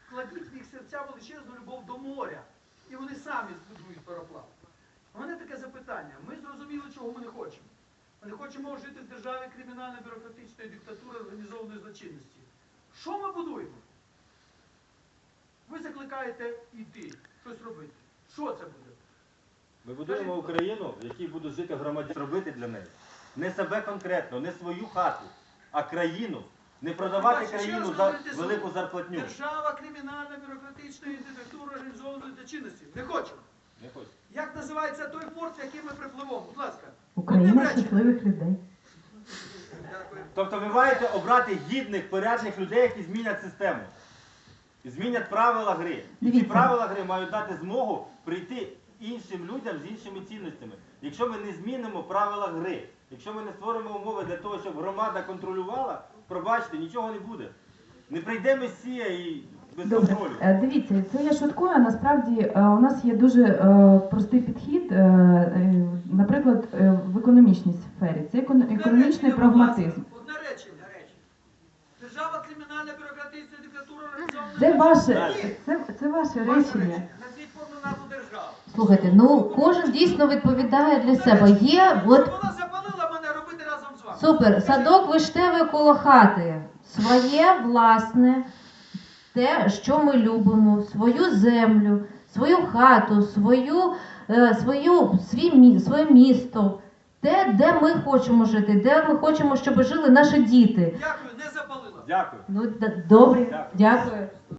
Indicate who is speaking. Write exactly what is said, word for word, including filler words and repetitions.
Speaker 1: вкладіть в їх серця величезну любов до моря. І вони самі збудують пароплав. У мене таке запитання. Ми зрозуміли, чого ми не хочемо. Ми не хочемо жити в державі кримінально-бюрократичної диктатури організованої злочинності. Що ми будуємо? Ви закликаєте йти, щось робити. Що це буде?
Speaker 2: Ми будуємо Україну, в якій будуть жити громадяни, робити для неї. Не себе конкретно, не свою хату, а країну. Не продавати країну за велику зарплатню.
Speaker 1: Держава кримінально-бюрократичної диктатури організованої злочинності. Не хочемо.
Speaker 2: Не хочу.
Speaker 1: Як називається той порт, в який ми припливемо? Будь ласка.
Speaker 3: Україна щасливих людей.
Speaker 1: Дякую.
Speaker 2: Тобто ви маєте обрати гідних, порядних людей, які змінять систему. І змінять правила гри. І ці
Speaker 3: Дивіться.
Speaker 2: правила гри мають дати змогу прийти іншим людям з іншими цінностями. Якщо ми не змінимо правила гри, якщо ми не створимо умови для того, щоб громада контролювала, пробачте, нічого не буде. Не прийде Месія і без
Speaker 3: Добре,
Speaker 2: контролю.
Speaker 3: Е, дивіться, це я шуткую, а насправді е, у нас є дуже е, простий підхід, е, е, наприклад, е, в економічній сфері. Це економ- економічний прагматизм.
Speaker 1: Одне речення. Держава кримінально-бюрократичної диктатури організованої
Speaker 3: Це ваше,
Speaker 1: Ні.
Speaker 3: це, це ваше
Speaker 1: Ваше
Speaker 3: речення.
Speaker 1: Назвіть повну назву держави.
Speaker 4: Слухайте, ну кожен дійсно відповідає для себе. Є,
Speaker 1: От...
Speaker 4: от
Speaker 1: Вона запалила мене робити разом з вами.
Speaker 4: супер, садок виштевий коло хати. Своє власне, те, що ми любимо, свою землю, свою хату, свою, е, свою, свій, мі- своє місто, те, де ми хочемо жити, де ми хочемо, щоб жили наші діти.
Speaker 1: Дякую, не запалила.
Speaker 2: Дякую.
Speaker 4: Ну, д- добре,
Speaker 2: Дякую.
Speaker 4: дякую.